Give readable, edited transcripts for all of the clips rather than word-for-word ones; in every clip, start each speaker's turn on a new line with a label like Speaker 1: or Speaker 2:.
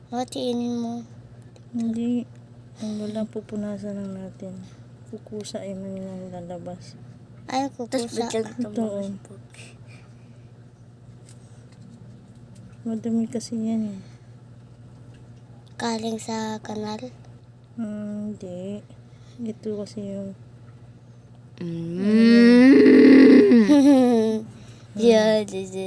Speaker 1: Hatiin mo.
Speaker 2: Hindi. Wala, pupunasan lang natin. Kukusa ay man yung lalabas.
Speaker 1: Ay, kukusa.
Speaker 2: Ito. Madami kasi yan eh.
Speaker 1: Galing sa kanal.
Speaker 2: Hindi. Ito kasi yung...
Speaker 1: Yeah,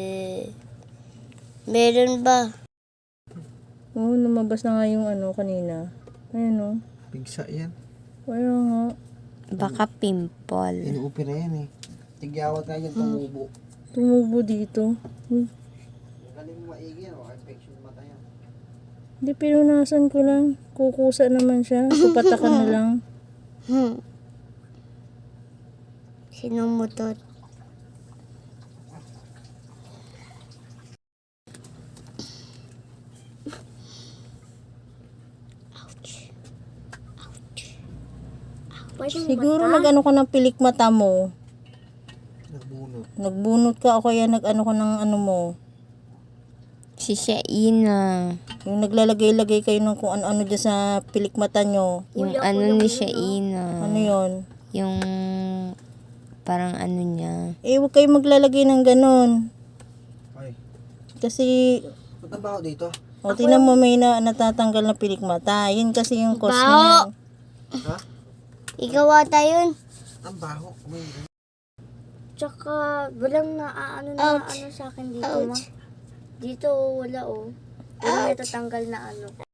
Speaker 1: meron ba?
Speaker 2: Oo, lumabas na nga yung ano kanina. Ayan o.
Speaker 3: Pigsa yan.
Speaker 2: Kaya nga.
Speaker 1: Baka pimple.
Speaker 3: Inuupira yan eh. Tigyawat nga yan, tumubo.
Speaker 2: Tumubo dito.
Speaker 3: Galing mo maigi yan, infection mata yan.
Speaker 2: Hindi, pinunasan ko lang. Kukusa naman siya. Pupatakan na lang.
Speaker 1: Sinong motor?
Speaker 2: Siguro nag-ano ka ng pilik mata mo.
Speaker 3: Nagbunot.
Speaker 2: Nagbunot ka o kaya nag-ano ka ng ano mo.
Speaker 1: Si Shaina.
Speaker 2: Yung naglalagay-lagay kayo ng kung ano-ano dyan sa pilik mata nyo.
Speaker 1: Yung ano ni Shaina.
Speaker 2: Ano yon?
Speaker 1: Yung parang ano niya.
Speaker 2: Eh, huwag kayo maglalagay ng ganon.
Speaker 3: Ay,
Speaker 2: Kasi,
Speaker 3: ba't ang baho dito?
Speaker 2: o tinan mo may natatanggal na pilik mata. Yun kasi yung cause
Speaker 1: Baho!
Speaker 2: niya.
Speaker 3: Ha?
Speaker 1: Ikaw ata yun.
Speaker 3: Ang baho. May...
Speaker 4: Tsaka, walang ano sa akin dito, ma. Dito, wala, oh. Walang natatanggal na ano.